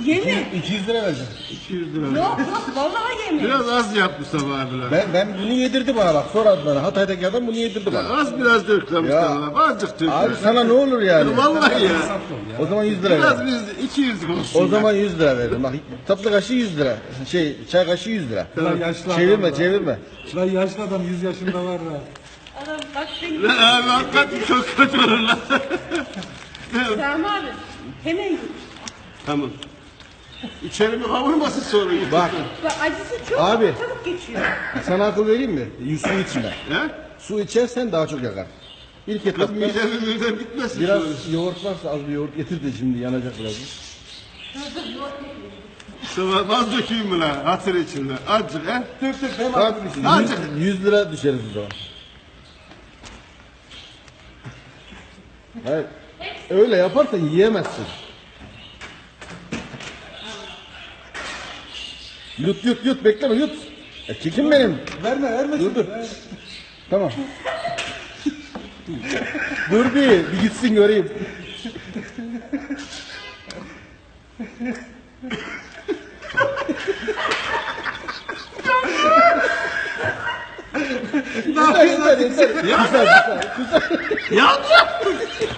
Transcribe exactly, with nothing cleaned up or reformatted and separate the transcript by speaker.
Speaker 1: Yemin.
Speaker 2: iki yüz lira vereceğim.
Speaker 3: iki yüz lira.
Speaker 1: Yok yok vallahi yemin.
Speaker 3: Biraz az yap Mustafa abiler.
Speaker 2: Ben, ben bunu yedirdi bana bak. Soradı bana. Hatay'daki adam bunu yedirdi bana.
Speaker 3: Az biraz dök lan Mustafa abi. Azıcık dök.
Speaker 2: Abi sana ne olur yani?
Speaker 3: Vallahi ya.
Speaker 2: O zaman yüz lira
Speaker 3: Biraz
Speaker 2: ver.
Speaker 3: biz iki yüz olsun.
Speaker 2: O zaman yüz lira veririm. Bak tatlı kaşığı yüz lira. Şey çay kaşığı yüz lira.
Speaker 4: Lan yaşlı
Speaker 2: Çevirme
Speaker 4: adam
Speaker 2: çevirme.
Speaker 4: Lan yaşlı adam yüz yaşında var ha.
Speaker 1: Adam bak seni.
Speaker 3: Lan abi hakikaten çok kötü olur lan.
Speaker 1: Sami abi hemen git.
Speaker 3: Tamam. İçerimi kavurmasın sonra.
Speaker 2: Bak
Speaker 1: Bak acısı çok
Speaker 2: Abi.
Speaker 1: çabuk geçiyor.
Speaker 2: sana akıl vereyim mi? Su içme.
Speaker 3: He?
Speaker 2: Su içersen daha çok yakar. İlk
Speaker 3: Kız
Speaker 2: etapta
Speaker 3: midem midem gitmesin.
Speaker 2: biraz
Speaker 3: şöyle.
Speaker 2: yoğurt varsa az bir yoğurt getir de şimdi yanacak biraz.
Speaker 3: Mustafa az dökeyim mi lan? Hatır içinde. Azıcık he?
Speaker 4: Dök dök hem
Speaker 2: Bak
Speaker 3: Azıcık.
Speaker 2: yüz, yüz lira düşeriz o zaman. Hayır. Öyle yaparsan yiyemezsin. Yut yut yut bekleme yut. E, çekin benim.
Speaker 4: Verme verme.
Speaker 2: Dur dur. Tamam. Dur bir, bir gitsin göreyim. yeter yeter yeter. Güzel güzel güzel.
Speaker 3: Yandı.